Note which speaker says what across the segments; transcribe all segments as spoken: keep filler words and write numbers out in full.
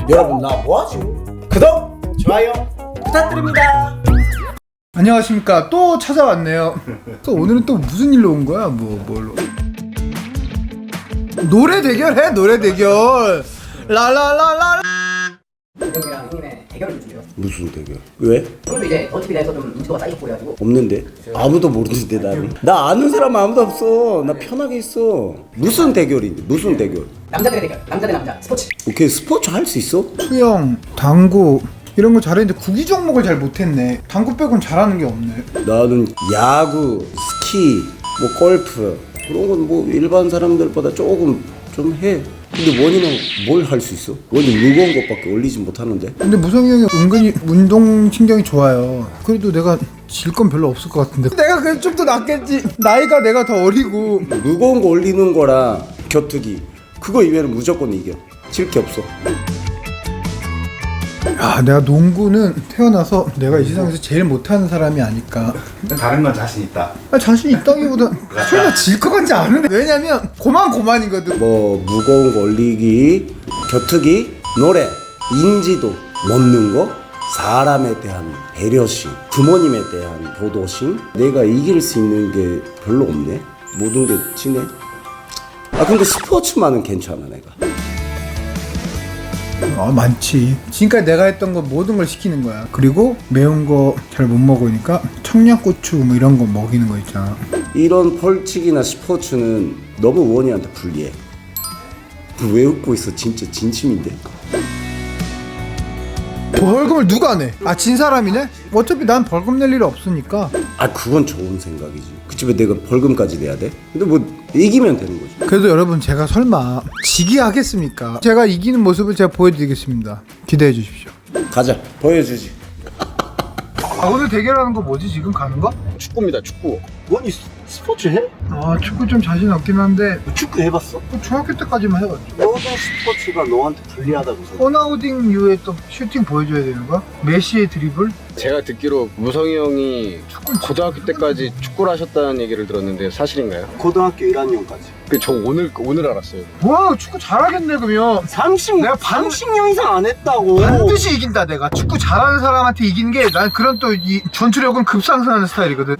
Speaker 1: 여러분 나 뭐하죠? 구독, 좋아요 부탁드립니다.
Speaker 2: 안녕하십니까. 또 찾아왔네요. 또 오늘은 또 무슨 일로 온 거야? 뭐 뭘로? 노래 대결 해. 노래 대결. 라라라라.
Speaker 3: 형이랑 형님의 대결을 준비해요.
Speaker 4: 무슨 대결? 왜?
Speaker 3: 그럼 이제 어차피 내서 좀 인지도가 쌓이고 그래가지고
Speaker 4: 없는데? 아무도 모르는데 나는 나 아는 사람 아무도 없어. 나 편하게 있어. 무슨 대결인데? 무슨 대결?
Speaker 3: 남자들의 대결, 남자 대 남자 스포츠.
Speaker 4: 오케이 스포츠 할 수 있어?
Speaker 2: 수영, 당구 이런 거 잘했는데 구기 종목을 잘 못했네. 당구 빼곤 잘하는 게 없네.
Speaker 4: 나는 야구, 스키, 뭐 골프 그런 건 뭐 일반 사람들보다 조금 좀 해. 근데 원이는 뭘 할 수 있어? 원이 무거운 것밖에 올리지 못하는데.
Speaker 2: 근데 무성이 형이 은근히 운동 신경이 좋아요. 그래도 내가 질 건 별로 없을 것 같은데. 내가 그래도 좀 더 낫겠지. 나이가 내가 더 어리고.
Speaker 4: 무거운 거 올리는 거랑 격투기 그거 이외에는 무조건 이겨. 질 게 없어.
Speaker 2: 아, 내가 농구는 태어나서 내가 이 세상에서 제일 못하는 사람이 아닐까.
Speaker 5: 다른 건 자신 있다.
Speaker 2: 아, 자신 있다기보다 설마 질 것 같지 않은데. 왜냐면 고만 고만이거든.
Speaker 4: 뭐 무거운 거 올리기, 격투기, 노래, 인지도, 먹는 거, 사람에 대한 배려심, 부모님에 대한 도도심. 내가 이길 수 있는 게 별로 없네. 모든 게 지네. 아 근데 스포츠만은 괜찮아 내가.
Speaker 2: 아, 많지. 지금까지 내가 했던 거 모든 걸 시키는 거야. 그리고 매운 거 잘 못 먹으니까 청양고추 뭐 이런 거 먹이는 거 있잖아.
Speaker 4: 이런 벌칙이나 스포츠는 너무 원이한테 불리해. 왜 웃고 있어? 진짜 진심인데.
Speaker 2: 벌금을 누가 내? 아, 진 사람이네? 어차피 난 벌금 낼 일 없으니까.
Speaker 4: 아 그건 좋은 생각이지. 그 집에 내가 벌금까지 내야 돼? 근데 뭐 이기면 되는 거지.
Speaker 2: 그래도 여러분, 제가 설마 지게 하겠습니까? 제가 이기는 모습을 제가 보여드리겠습니다. 기대해 주십시오.
Speaker 4: 가자 보여주지.
Speaker 2: 아, 오늘 대결하는 거 뭐지? 지금 가는 거?
Speaker 5: 축구입니다, 축구. 원이 스- 스포츠 해?
Speaker 2: 아, 축구 좀 자신 없긴 한데
Speaker 5: 축구 해봤어?
Speaker 2: 중학교 때까지만 해봤죠.
Speaker 5: 모든 스포츠가 너한테 불리하다고 생각해.
Speaker 2: 호나우딩 이후에 또 슈팅 보여줘야 되는 거야? 메시의 드리블?
Speaker 6: 제가 듣기로 무성이 형이 고등학교 때까지 축구를 하셨다는 얘기를 들었는데 사실인가요?
Speaker 5: 고등학교 일 학년까지.
Speaker 6: 그 저 오늘 오늘 알았어요.
Speaker 2: 와, 축구 잘하겠네 그러면.
Speaker 5: 삼십,
Speaker 2: 내가 반-
Speaker 5: 삼십 년 이상 안 했다고.
Speaker 2: 반드시 이긴다. 내가 축구 잘하는 사람한테 이기는 게 난 그런 또 이 전투력은 급상승하는 스타일이거든.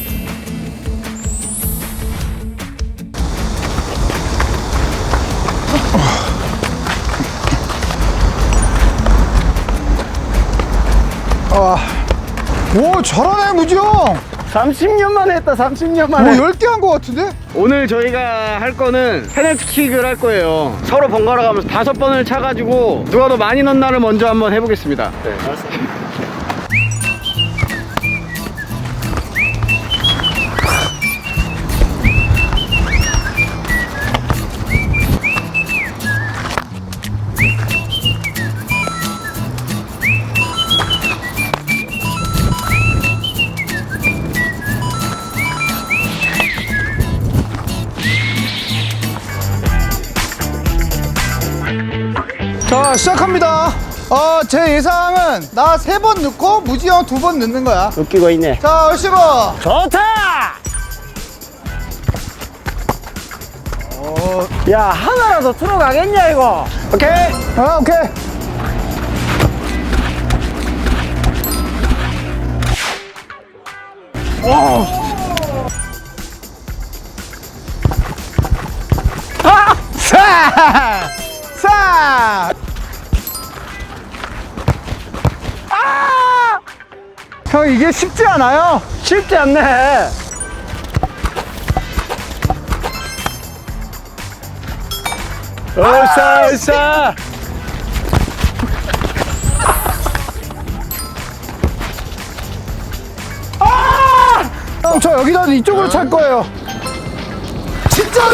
Speaker 2: 아, 오, 잘하네 무지형.
Speaker 6: 삼십 년 만에 했다. 삼십 년
Speaker 2: 오,
Speaker 6: 만에.
Speaker 2: 열 개 한 거 같은데?
Speaker 6: 오늘 저희가 할 거는 페널티킥을 할 거예요. 서로 번갈아 가면서 다섯 번을 차가지고 누가 더 많이 넣나를 먼저 한번 해보겠습니다. 네.
Speaker 2: 자, 시작합니다. 어, 제 예상은 나 세 번 넣고 무지형 두 번 넣는 거야.
Speaker 4: 웃기고 있네.
Speaker 2: 자, 얼씨구.
Speaker 6: 좋다! 야, 하나라도 들어가겠냐 이거? 오케이.
Speaker 2: 아, 오케이. 아! 사! 사! 아! 형, 이게 쉽지 않아요.
Speaker 6: 쉽지 않네. 으쌰 으쌰.
Speaker 2: 형, 저 여기다 이쪽으로 찰 거예요. 진짜로!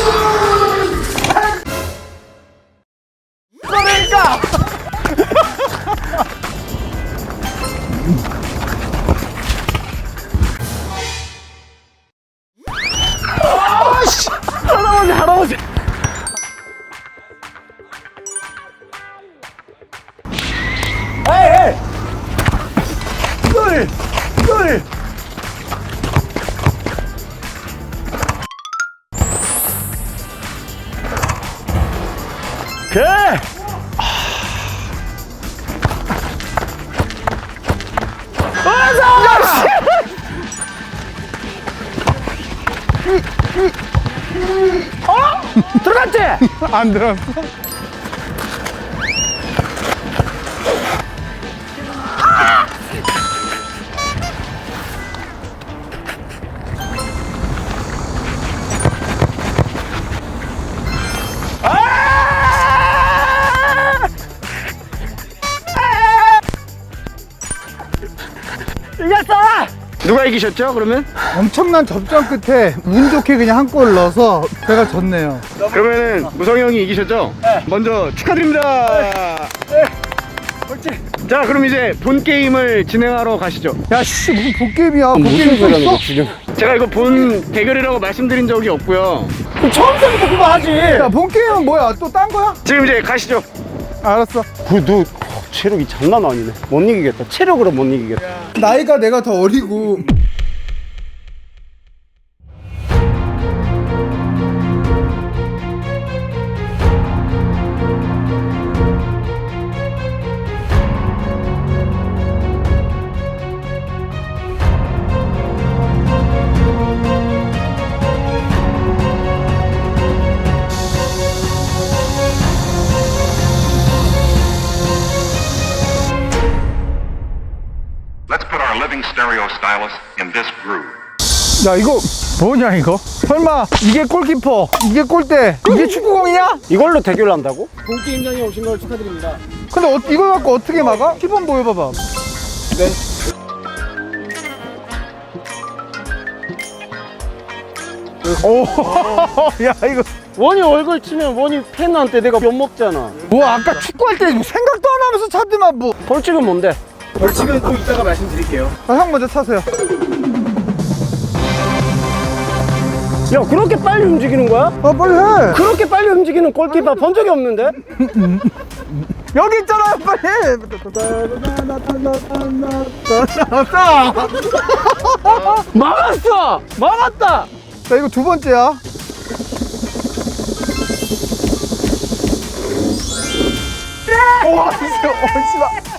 Speaker 2: 그러니까! 아씨!
Speaker 6: 할아버지 할아버지. 에이 에이. 둘 둘. 오케이. 들어갔지?
Speaker 2: 안 들었어.
Speaker 6: 이겼어! 누가 이기셨죠, 그러면?
Speaker 2: 엄청난 접전 끝에 운 좋게 그냥 한 골 넣어서 제가 졌네요.
Speaker 6: 그러면은 무성이 형이 이기셨죠? 네. 먼저 축하드립니다. 네. 자, 그럼 이제 본 게임을 진행하러 가시죠.
Speaker 2: 야, 씨, 무슨 복게임이야. 복게임 또 있어?
Speaker 6: 지금? 제가 이거 본 대결이라고 말씀드린 적이 없고요.
Speaker 2: 처음부터 그거 하지. 야, 본게임은 뭐야? 또 딴 거야?
Speaker 6: 지금 이제 가시죠.
Speaker 2: 알았어.
Speaker 5: 그너 체력이 장난 아니네. 못 이기겠다. 체력으로 못 이기겠다.
Speaker 2: 나이가 내가 더 어리고.
Speaker 7: Let's put our living stereo stylus in this groove.
Speaker 2: 야, 이거 뭐냐 이거? 설마 이게 골키퍼, 이게 골대, 이게 축구공이냐?
Speaker 5: 이걸로 대결한다고?
Speaker 6: 본게임장에 오신 걸 축하드립니다.
Speaker 2: 근데 어, 이걸 갖고 어떻게 막아? 시범 보여봐봐. 네. 오, 야 이거.
Speaker 5: 원이 얼굴 치면 원이 팬한테 내가 못 먹잖아.
Speaker 2: 뭐 아까 축구할 때 생각도 안 하면서 차더만 뭐.
Speaker 5: 벌칙은 뭔데?
Speaker 6: 벌칙은 또 이따가 말씀드릴게요.
Speaker 2: 아, 형 먼저 차세요.
Speaker 5: 야 그렇게 빨리 움직이는 거야?
Speaker 2: 아, 빨리 해.
Speaker 5: 그렇게 빨리 움직이는 골키퍼 본 적이 없는데?
Speaker 2: 여기 있잖아요, 빨리.
Speaker 5: 막았어! 막았다!
Speaker 2: 자, 이거 두 번째야. 와, 진짜, 어, 씨발.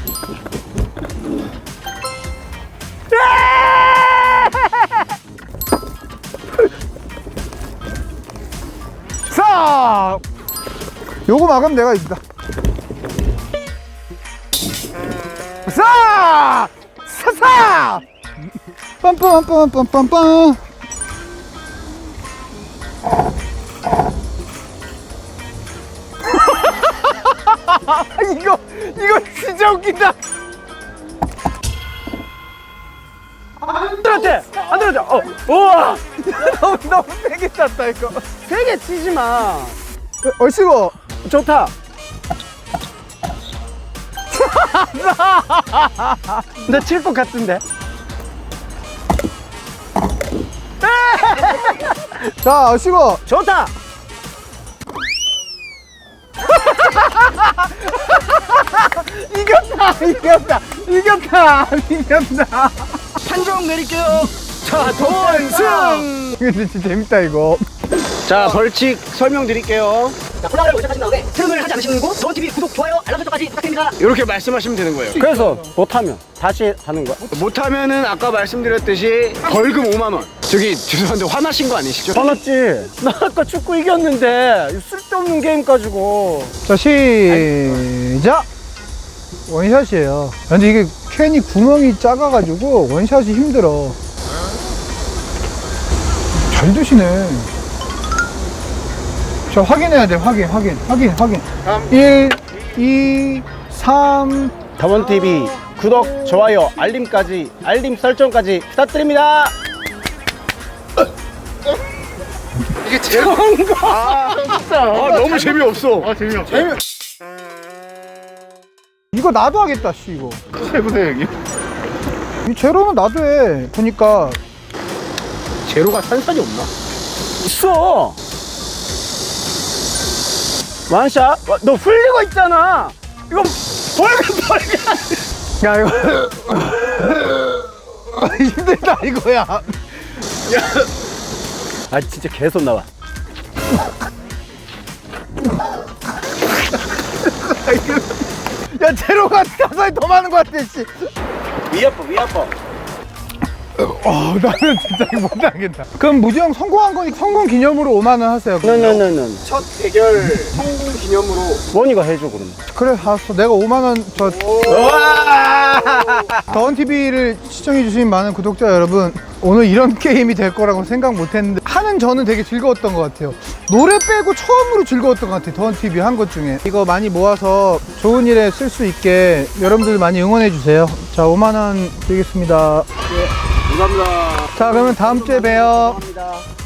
Speaker 2: 자, 요거 막으면 내가 이긴다. 자, 사사. 빰빰빰빰빰빰. 이거 이거 진짜 웃긴다.
Speaker 5: 안 들었지? 안 들었지? 어, 우와!
Speaker 2: 너무 너무 세게 쐈다 이거.
Speaker 5: 세게 치지 마.
Speaker 2: 얼씨구.
Speaker 5: 좋다. 나 칠 것 같은데?
Speaker 2: 자, 얼씨구.
Speaker 5: 좋다!
Speaker 2: 이겼다 이겼다 이겼다 이겼다.
Speaker 6: 판정 내릴게요. 자, 돈승!
Speaker 2: 근데 진짜 재밌다 이거.
Speaker 6: 자, 벌칙 설명드릴게요.
Speaker 3: 자, 콜라보를 시작하신 다음에 채널을 하지 않으시는 분 더원티비 구독, 좋아요, 알람 설정까지 부탁드립니다.
Speaker 6: 이렇게 말씀하시면 되는 거예요.
Speaker 5: 그래서 못하면 다시 하는 거야?
Speaker 6: 못하면은 아까 말씀드렸듯이 벌금 오만 원. 저기 죄송한데 화나신 거 아니시죠?
Speaker 5: 화났지? 나 아까 축구 이겼는데 이 쓸데없는 게임 가지고.
Speaker 2: 자, 시작. 원샷이에요. 근데 이게 캔이 구멍이 작아가지고 원샷이 힘들어. 잘 드시네. 자, 확인해야 돼. 확인 확인 확인 확인. 일, 이, 삼.
Speaker 5: 다원티비 구독, 좋아요, 알림까지, 알림 설정까지 부탁드립니다.
Speaker 6: 이게 제일 아, 아, 너무 재미없어. 아, 재미없어. 재미...
Speaker 2: 이거 나도 하겠다 씨 이거.
Speaker 6: 해보세요, 여기.
Speaker 2: 이 제로는 나도 해. 보니까
Speaker 6: 제로가 산산이 없나?
Speaker 5: 있어. 완샷? 와, 너 흘리고 있잖아. 이거 벌금 벌금.
Speaker 2: 야 이거 힘들다 이거야.
Speaker 5: 아 진짜 계속 나와.
Speaker 2: 야 제로가 가사에 더 많은 것 같아 씨.
Speaker 5: 위 아파 위 아파.
Speaker 2: 어, 나는 진짜 이거 못하겠다. 그럼 무지 형 성공한 거니 성공 기념으로 오만 원 하세요.
Speaker 5: 네네네네.
Speaker 1: 첫 대결 성공 기념으로
Speaker 5: 원이가 해줘 그럼.
Speaker 2: 그래 알았어. 내가 오만 원 저 더원티비를 시청해주신 많은 구독자 여러분, 오늘 이런 게임이 될 거라고 생각 못했는데 하는 저는 되게 즐거웠던 것 같아요. 노래 빼고 처음으로 즐거웠던 것 같아요. 더원티비 한 것 중에. 이거 많이 모아서 좋은 일에 쓸 수 있게 여러분들 많이 응원해주세요. 자, 오만 원 드리겠습니다.
Speaker 6: 감사합니다.
Speaker 2: 자, 그러면 다음 주에 봬요.
Speaker 5: 감사합니다.